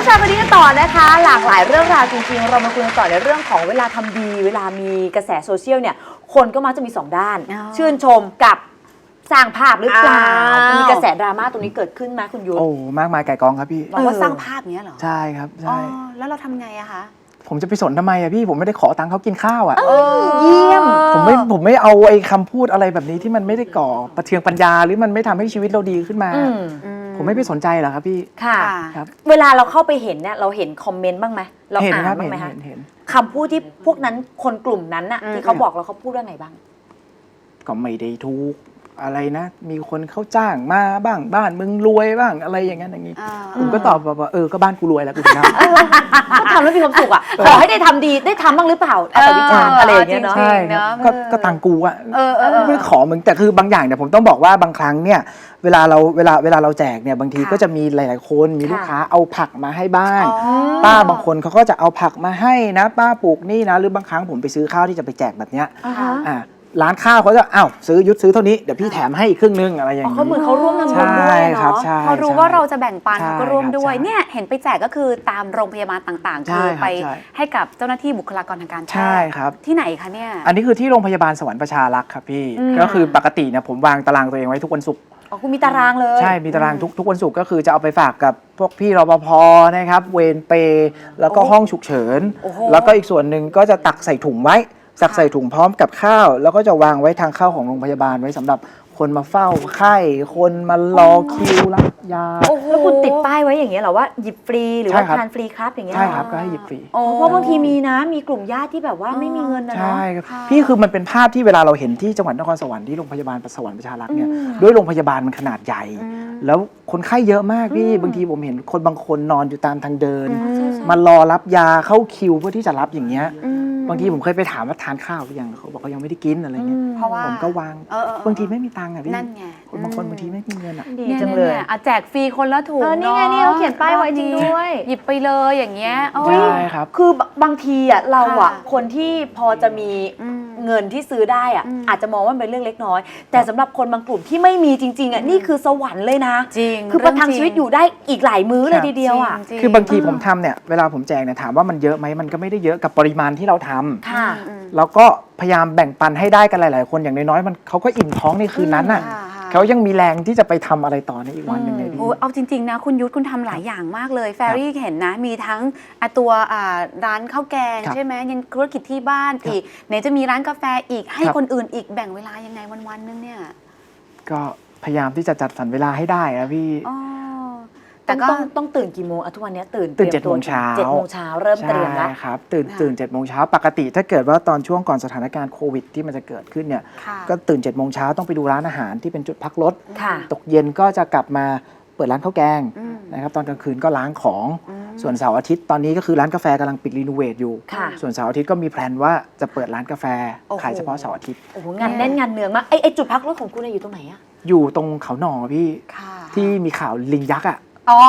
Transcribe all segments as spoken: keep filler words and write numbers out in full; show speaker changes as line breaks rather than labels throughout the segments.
ชายวันนี้กันต่อนะคะหลากหลายเรื่องราวจริงๆเรามาคุยกันต่อในเรื่องของเวลาทำดีเวลามีกระแสโซเชียลเนี่ยคนก็มักจะมีสองด้านชื่นชมกับสร้างภาพหรือเปล่ามีกระแสดราม่าตรงนี้เกิดขึ้นไหมคุณยุทธ
โอ้มากมายไก่กองครับพี่
บอกว่าสร้างภาพเนี้ยเหรอ
ใช่ครับใช่
แล้วเราทำไงอะคะ
ผมจะไปสนทำไมอะพี่ผมไม่ได้ขอตังค์เขากินข้าวอะ
เยี่ยม
ผมไม่ผมไม่เอาไอ้คำพูดอะไรแบบนี้ที่มันไม่ได้ก่อประเทืองปัญญาหรือมันไม่ทำให้ชีวิตเราดีขึ้นมาผมไม่ไปสนใจหรอกครับพี่
ค่ะเวลาเราเข้าไปเห็นเนี่ยเราเห็นคอมเมนต์บ้างไหมเราอ่านบ้างไหมคะคำพูดที่พวกนั้นคนกลุ่มนั้นน่ะที่เขาบอกเราเขาพูดว่าไงบ้าง
ก็ไม่ได้ทุกอะไรนะมีคนเขาจ้างมาบ้างบ้านมึงรวยบ้างอะไรอย่างนั้นอย่างนี้ผมก็ตอบว่าเออก็บ้านกูรวยแล้วกูทำ
ก็ทำแล้วมีความสุขอ่ะขอให้ได้ทำดีได้ทำบ้างหรือเปล่าแต่วิจารณ์อะไรอย่างเงี้ยเนาะ
ใช่ก็ก็ตังกูอ่ะไม่ขอมึงแต่คือบางอย่างเนี่ยผมต้องบอกว่าบางครั้งเนี่ยเวลาเราเวลาเวลาเราแจกเนี่ยบางทีก็จะมีหลายๆคนมีลูกค้าเอาผักมาให้บ้างป้าบางคนเขาก็จะเอาผักมาให้นะป้าปลูกนี่นะหรือบางครั้งผมไปซื้อข้าวที่จะไปแจกแบบเนี้ยอ่าร้านข้าวเขาจะอ้าวซื้อยุดซื้อเท่านี้เดี๋ยวพี่แถมให้อีกครึ่งนึงอะไรอย่างนี้
เขาเหมือนเขาร่วมทำบุญด้วยเนาะ
เขารู้ว่าเราจะแบ่งปันเขาก็ร่วมด้วยเนี่ยเห็นไปแจกก็คือตามโรงพยาบาลต่างๆคือไปให้กับเจ้าหน้าที่บุคลากรทางการแพทย์
ใช่ครับ
ที่ไหนคะเนี่ย
อันนี้คือที่โรงพยาบาลสวรรค์ประชารักษ์ครับพี่ก็คือปกติเนี่ยผมวางตารางตัวเองไว้ทุกวันศุกร์
อ๋อคุณมีตารางเลย
ใช่มีตารางทุกทุกวันศุกร์ก็คือจะเอาไปฝากกับพวกพี่รปภนะครับเวรเปย์แล้วก็ห้องฉุกเฉินแล้วก็อีกส่วนหนึ่งก็จะตักใส่ถุงไว้สักใส่ถุงพร้อมกับข้าวแล้วก็จะวางไว้ทางเข้าของโรงพยาบาลไว้สำหรับคนมาเฝ้าไข้คนมารอคิวรับยา
แล้วคุณติดป้ายไว้อย่างเงี้ยเหรอว่าหยิบฟรีหรือว่าทานฟรีครับอย่างเงี้ย
ใช่ครับก็ให้หยิบฟรี
เพราะบางทีมีนะมีกลุ่มญาติที่แบบว่าไม่มีเงินนะ
ใช่ครับพี่คือมันเป็นภาพที่เวลาเราเห็นที่จังหวัดนครสวรรค์ที่โรงพยาบาลสวรรค์ประชารักษ์เนี่ยด้วยโรงพยาบาลมันขนาดใหญ่แล้วคนไข้เยอะมากพี่บางทีผมเห็นคนบางคนนอนอยู่ตามทางเดินมารอรับยาเข้าคิวเพื่อที่จะรับอย่างเงี้ยบางทีผมเคยไปถามว่าทานข้าวหรือยังเขาบอกเขายังไม่ได้กินอะไรเงี้ยผมก็วางบางทีไม่มีตังค์อ่ะพี่บางคนบางทีไม่มีเงินอ่ะ
ดีจังเลย
อ่ะแจกฟรีคนละถุง
นี่ไงนี่เขาเขียนป้ายไว้จริงด้วย
หยิบไปเลยอย่างเงี้ย
ใช่ครับ
คือบางทีอ่ะเราอ่ะคนที่พอจะมีเงินที่ซื้อได้อ่ะอาจจะมองว่าเป็นเรื่องเล็กน้อยแต่สำหรับคนบางกลุ่มที่ไม่มีจริงๆอ่ะนี่คือสวรรค์เลยนะ
จริง
คือประทังชีวิตอยู่ได้อีกหลายมื้อเลยทีเดียวอ่ะ
คือบางทีผมทำเนี่ยเวลาผมแจกเนี่ยถามว่ามันเยอะไหมมันก็ไม่ได้เยอะกับปริมาณที่เราทำแล้วก็พยายามแบ่งปันให้ได้กันหลายๆคนอย่างน้อยๆมันเขาก็อิ่มท้องในคืนนั้นน่ะเขายังมีแรงที่จะไปทำอะไรต่อในอีกวันหนึ่งเลย
โอ้เอาจริงๆนะคุณยุทธคุณทำหลายอย่างมากเลยแฟรี่เห็นนะมีทั้งตัวร้านข้าวแกงใช่ไหมยังธุรกิจที่บ้านอีกไหนจะมีร้านกาแฟอีกให้คนอื่นอีกแบ่งเวลายังไงวันๆนึงเนี่ย
ก็พยายามที่จะจัดสรรเวลาให้ได้อะพี่
แต่ก็ต้องต้องตื่นกี่โมงทุกวันนี้ตื่น
ตื่นเจ็ดโมงเช้า
เจ็ดโมงเช้าเริ่มเตรียมแล้ว
ครับตื่นตื่นเจ็ดโมงเช้าปกติถ้าเกิดว่าตอนช่วงก่อนสถานการณ์โควิดที่มันจะเกิดขึ้นเนี่ยก็ตื่นเจ็ดโมงเช้าต้องไปดูร้านอาหารที่เป็นจุดพักรถตกเย็นก็จะกลับมาเปิดร้านข้าวแกงนะครับตอนกลางคืนก็ล้างของส่วนเสาร์อาทิตย์ตอนนี้ก็คือร้านกาแฟกำลังปิดรีโนเวทอยู่ส่วนเสาร์อาทิตย์ก็มีแพลนว่าจะเปิดร้านกาแฟขายเฉพาะเสาร์อาทิตย์
โอ้โหงานแน่นงานเนืองมากไอไอจุดพักรถของคุณอยู่ตรงไหนอะ
อยู่ตรงเขาหน่อพี่ที่มีข่าวลิงยักษ์อะ
อ๋อ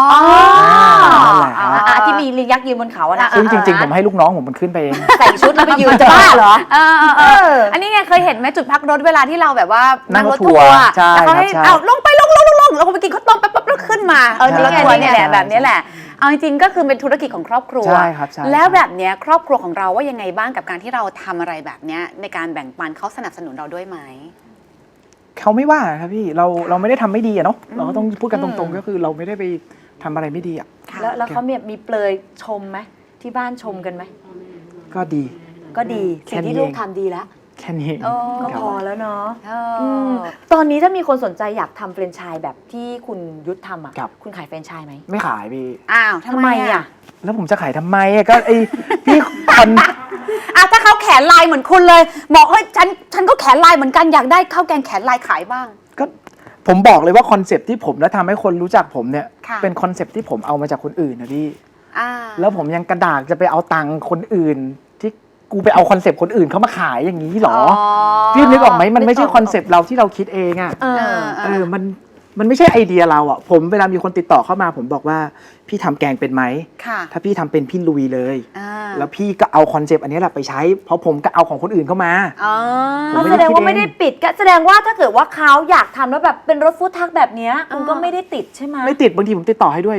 ที่มีลิงยักษ์ยืนบนเขาอะนะ
ซึ่งจริงๆผมให้ลูกน้องผมมันขึ้นไปเอง
ใส่ชุดแล้วไปยืนจะบ้าเหรอ
อันนี้ไงเคยเห็นไหมจุดพักรถเวลาที่เราแบบว่า
นั่งรถทัวร์
แล้วเขาให้เอาลงไปลงลงลงลงแล้วก็ไปกินข้าวต้มปั๊บปั๊บแล้วขึ้นมาเออนี่ไงนี่แหละแบบนี้แหละเอาจริงๆก็คือเป็นธุรกิจของครอบครัวแล้วแบบนี้ครอบครัวของเราว่ายังไงบ้างกับการที่เราทำอะไรแบบนี้ในการแบ่งปันเขาสนับสนุนเราด้วยไหม
เขาไม่ว่าครับพี่เราเราไม่ได้ทำไม่ดีอะเนาะเราก็ต้องพูดกันตรงๆก็คือเราไม่ได้ไปทำอะไรไม่ดีอ่ะ
แล้วแล้วเขามีเปลยชมไหมที่บ้านชมกันไหม
ก็ดี
ก็ดีสิ่งที่ลูกทำดีแล้ว
แค่นี้
ก็พอแล้วเนาะตอนนี้ถ้ามีคนสนใจอยากทำแฟรนไชส์แบบที่คุณยุทธทำอ่ะคุณขายแฟรนไชส์ไหม
ไม่ขายพี่
อ้าวทำไมอ่ะ
แล้วผมจะขายทำไมอ่ะก็ไอพี่คน
อ่ะถ้าเขาแขนลายเหมือนคุณเลยบอกเฮ้ยฉันฉันก็แขนลายเหมือนกันอยากได้ข้าวแกงแขนลายขายบ้าง
ก็ผมบอกเลยว่าคอนเซปต์ที่ผมและทำให้คนรู้จักผมเนี่ยเป็นคอนเซปต์ที่ผมเอามาจากคนอื่นนะพี่แล้วผมยังกระดากจะไปเอาตังค์คนอื่นที่กูไปเอาคอนเซปต์คนอื่นเขามาขายอย่างนี้หรอพี่นึกออกไหมมันไม่ใช่คอนเซปต์เราที่เราคิดเองอ่ะเออมันมันไม่ใช่ไอเดียเราอ่ะผมเวลามีคนติดต่อเข้ามาผมบอกว่าพี่ทำแกงเป็นไหมถ้าพี่ทำเป็นพี่ลุยเลยแล้วพี่ก็เอาคอนเซปต์อันนี้แหละไปใช้เพราะผมก็เอาของคนอื่นเข้ามา
แสดงว่าไม่ได้ปิดก็แสดงว่าถ้าเกิดว่าเขาอยากทำแล้วแบบเป็นรถฟู้ดทักแบบนี้คุณก็ไม่ได้ติดใช่ไหม
ไม่ติดบางทีผมติดต่อให้ด้วยพี่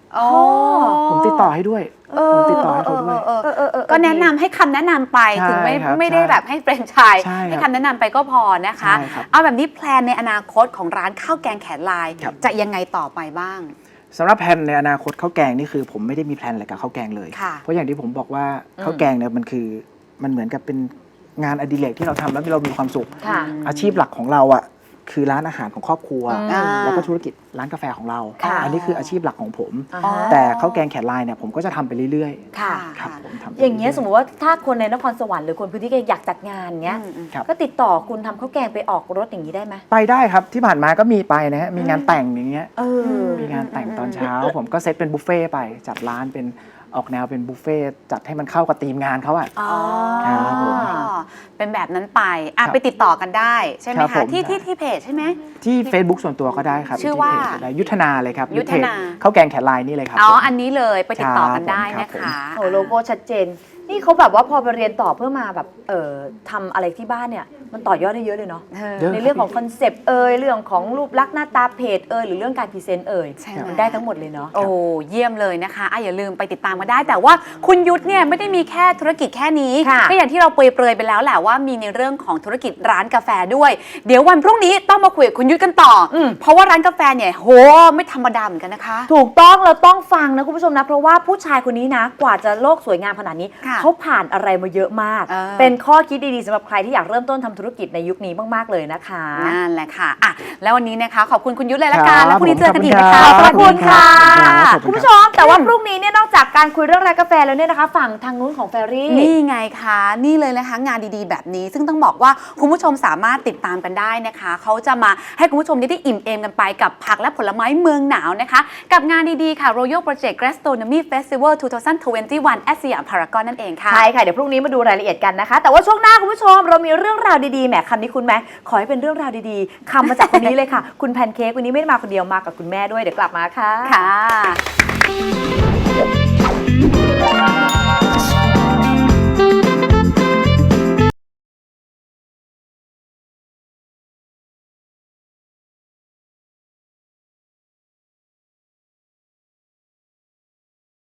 โอ้
ผมติดต่อให้ด้วยผมติดต่อให้เขาด้วย
เออเออเออเออก็แนะนำให้คำแนะนำไป
ใช่
ถึงไม่
ครับ
ไม่ได้
ใช่
แบบให้เฟรนไชส์
ใช่ครับ
ให้คำแนะนำไปก็พอนะคะ
ใช่ครับ
เอาแบบนี้แพลนในอนาคตของร้านข้าวแกงแขนลาย
ครับ
จะยังไงต่อไปบ้าง
สำหรับแผนในอนาคตข้าวแกงนี่คือผมไม่ได้มีแผนอะไรกับข้าวแกงเลย
ค่ะ
เพราะอย่างที่ผมบอกว่าข้าวแกงเนี่ยมันคือมันเหมือนกับเป็นงานอดิเรกที่เราทำแล้วเรามีความสุข
ค่ะ
อาชีพหลักของเราอ่ะคือร้านอาหารของครอบครัว
อ่า
แล้วก็ธุรกิจร้านกาแฟของเรา
ค่ะ
อันนี้คืออาชีพหลักของผม
อ่าฮะ
แต่ข้าวแกงแขนลายเนี่ยผมก็จะทำไปเรื่อย
ค่ะ
ๆครับผมทำไป
อย่างเงี้ย
รื่
สมมติว่าถ้าคนในนครสวรรค์หรือคนพื้นที่อยากจัดงานเงี้ย
อืมอืม
ครับ
ก็ติดต่อคุณทำข้าวแกงไปออกรถอย่างนี้ได้ไหม
ไปได้ครับที่ผ่านมาก็มีไปนะฮะมีงานแต่งอย่างเงี้ย
เออ
มีงานแต่งตอนเช้า ผมก็เซตเป็นบุฟเฟ่ต์ไปจัดร้านเป็นออกแนวเป็นบุฟเฟ่ต์จัดให้มันเข้ากับธีมงานเขาอะ
อ๋อ
ครับผม
เป็นแบบนั้นไปอ่ะ
ครับ
ไปติดต่อกันได้ใช่ไหม
ครับผ
คะ
ม
ที่ที่ที่เพจใช่ไหม
ที่ Facebook ส่วนตัวก็ได้ครับ
ชื่อว่า
ที่เพจก็ได้ยุทธนาเลยครับ
ยุทธนา
เพจข้าวแกงแขนลายนี่เลยครับ
อ๋อ
ผม
อันนี้เลยไปติดต่อกันได้
ครั
นะ
บผม
คะ
โอ้โลโก้ชัดเจน นี่เขาแบบว่าพอไปเรียนต่อเพื่อมาแบบเอ่อทำอะไรที่บ้านเนี่ย มันต่อยอดได้เยอะเลยเนาะ
เออ
เยอะ
ในเรื่องของคอนเซปต์เอ่ยเรื่องของรูปลักษณ์หน้าตาเพจเอ่ยหรือเรื่องการพรีเซนต์เอ่ย
ใช่ไหม
มันได้ทั้งหมดเลยเนาะ
โอ้เยี่ยมเลยนะคะอ่ะอย่าลืมไปติดตามมาได้ แต่ว่าคุณยุทธเนี่ยไม่ได้มีแค่ธุรกิจแค่นี้
ค่ะ
ก็อย่างที่เราเปรยๆไปแล้วแหละว่ามีในเรื่องของธุรกิจร้านกาแฟด้วย เดี๋ยววันพรุ่งนี้ต้องมาคุยกับคุณยุทธกันต่ออ
ม
เพราะว่าร้านกาแฟเนี่ยโหไม่ธรรมดาเหมือนกันนะคะ
ถูกต้องเราต้องฟังนะคุณผู้ชมนะ เพราะว่าผู้ชายคนนี้นะ กว่าจะโลกสวยงามขนาดนี้
ค่ะ
เขาผ่านอะไรมาเยอะมาก
เออ
เป็นข้อคิดดีๆสำหรับใครที่อยากเริ่มต้นทำธุรกิจในยุคนี้มากๆเลยนะคะ
นั่นแหละค่ะอ่ะ แล้ววันนี้นะคะขอบคุณคุณยุทธเลยละกัน
ครับ
แล้วพรุ่งนี้เจอกันอีก
ผม
นะคะ
ข
ข
อ
อ
บบ คุ
คุณ ณ
ครั
ค่ะ
บขอบคุณครับ
คุณผู้ชม แต่ว่าพรุ่งนี้เนี่ยนอกจากการคุยเรื่องรายกาแฟแล้วเนี่ยนะคะ ฝั่งทางนู้นของแฟรี่
นี่ไงคะนี่เลยนะคะงานดีๆ แบบนี้ ซึ่งต้องบอกว่าคุณผู้ชมสามารถติดตามกันได้นะคะเขาจะมาให้คุณผู้ชมได้อิ่มเอมกันไปกับผักและผลไม้เมืองหนาวนะคะ กับงานดีๆค่ะ Royal Project Gastronomy Festival สองพันยี่สิบเอ็ด at สยามพารากอนนั่นเองค่ะ
ใช่ค่ะ เดี๋ยวพรุ่งนี้มาดูรายละเอียดกันนะคะ แต่ว่าช่วงหน้าคุณผู้ชมเรามีเรื่องราวดีๆแหมคำนี้คุณไหมขอให้เป็นเรื่องราวดีๆคำมาจากคนนี้เลยค่ะ คุณแพนเค้กวันนี้ไม่ได้มาคนเดียวมากับคุณแม่ด้วยเดี๋ยวกลับมาค่ะ
ค่ะ